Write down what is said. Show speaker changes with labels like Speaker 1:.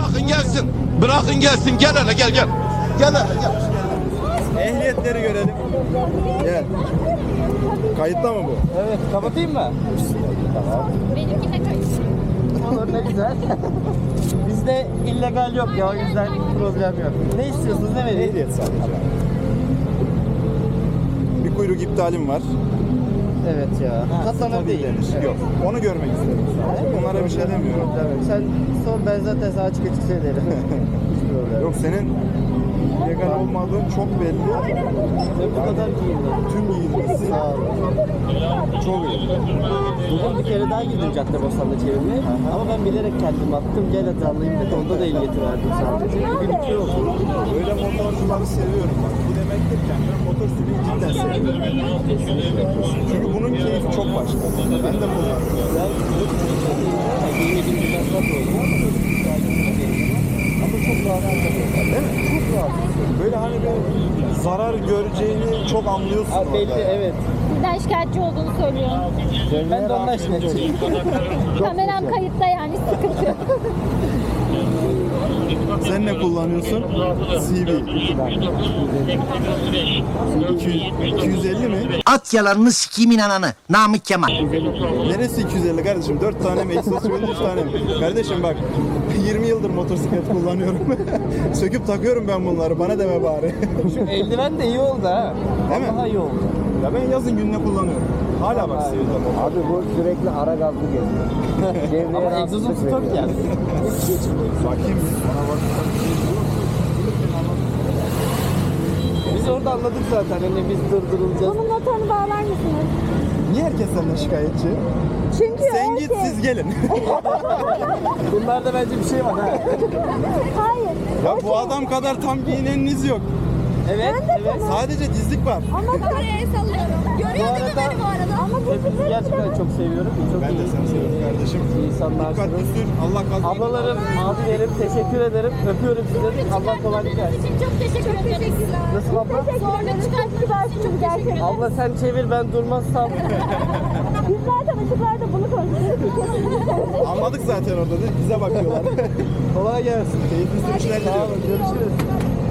Speaker 1: Bırakın gelsin. Bırakın gelsin. Gel hele gel gel. Gel hele gel.
Speaker 2: Ehliyetleri görelim. Gel. Kayıtta mı bu?
Speaker 3: Evet, kapatayım mı?
Speaker 4: Benimki de kayıt.
Speaker 3: Olur, ne güzel. Bizde illegal yok ya, o yüzden problem yok. Ne istiyorsunuz, ne vereyim?
Speaker 2: Ehliyet sadece. Bir kuyruk iptalim var.
Speaker 3: Evet ya. Katlanır değil.
Speaker 2: denir. Yok. Onu görmek istedim sadece. Onlara bir şey demiyorum.
Speaker 3: Tabii. Sen sor, ben zaten sana açık açık söylerim. Hiç problem.
Speaker 2: Yok, senin legal olmadığın çok belli.
Speaker 3: Ve bu kadar giyindim.
Speaker 2: Tüm giyinmişsin.
Speaker 3: Sağ ol.
Speaker 2: Çok iyi.
Speaker 3: Bugün bir kere daha gittim Caddebostan'da çevirmeye. Ama ben bilerek kendim attım. Gel hadi alayım dedi. Onda da ehliyeti verdim sadece. Bugün iki oldu.
Speaker 2: Böyle motorcuları seviyorum bak. Bu demektir ki ben motosiklet cidden seviyorum. Çünkü bunun keyfi çok başka. Ben de kullanıyorum.
Speaker 3: Yine bir masraf oldu. Ama çok rahat.
Speaker 2: Değil mi?
Speaker 3: Çok rahat.
Speaker 2: Böyle hani bir zarar göreceğini çok anlıyorsun
Speaker 3: Abi
Speaker 2: orada.
Speaker 3: belli, evet.
Speaker 4: Bizden şikayetçi olduğunu söylüyor.
Speaker 3: Ben de ondan şikayetçiyim.
Speaker 4: Kameram kayıtta yani sıkıntı yok.
Speaker 2: Sen ne kullanıyorsun? CV. 250 mi?
Speaker 5: At yalanını sikimin ananı. Namık Kemal.
Speaker 2: Neresi 250 kardeşim? 4 tane mi? Egzoz 3 tane mi? Kardeşim bak 20 yıldır motosiklet kullanıyorum. Söküp takıyorum ben bunları. Bana deme bari.
Speaker 3: Şu eldiven de iyi oldu ha.
Speaker 2: Değil mi?
Speaker 3: Daha iyi oldu.
Speaker 2: Ya ben yazın gününe kullanıyorum. Hala bak seviyorum.
Speaker 6: Abi bu sürekli ara gazlı geziyor.
Speaker 3: Ama egzozun stok yani.
Speaker 2: Bakayım. Bana bak.
Speaker 3: Biz orada anladık zaten. Hani biz durdurulacağız.
Speaker 4: Bunun motorunu bağlar mısınız?
Speaker 2: Niye herkes senden şikayetçi?
Speaker 4: Çünkü
Speaker 2: Sen git siz gelin.
Speaker 3: Bunlarda bence bir şey var ha.
Speaker 4: Hayır.
Speaker 2: Ya bu adam kadar tam giyineniniz yok.
Speaker 3: Evet, evet.
Speaker 2: Sadece dizlik var.
Speaker 4: Ama kameraya sallıyorum. Görüyor değil mi beni bu arada? Ama bu
Speaker 3: Hepinizi gerçekten çok seviyorum. Çok
Speaker 2: Ben de
Speaker 3: iyi
Speaker 2: seni seviyorum kardeşim.
Speaker 3: insanlarsınız.
Speaker 2: Dikkatli sür. Allah kazanır.
Speaker 3: Ablalarım, abilerim teşekkür ederim. Öpüyorum sizleri. Allah kolaylık versin.
Speaker 4: için çok teşekkür ederim.
Speaker 3: Nasıl abla?
Speaker 4: Zorla çıkarttınız gerçekten.
Speaker 3: Abla sen çevir, ben durmazsam.
Speaker 4: Biz zaten ışıklarda bunu konuşuyoruz.
Speaker 2: Anladık zaten orada değil mi? Bize bakıyorlar.
Speaker 3: Kolay gelsin.
Speaker 2: Keyifli sürüşler
Speaker 3: Sağ
Speaker 2: diliyorum.
Speaker 3: olun, görüşürüz.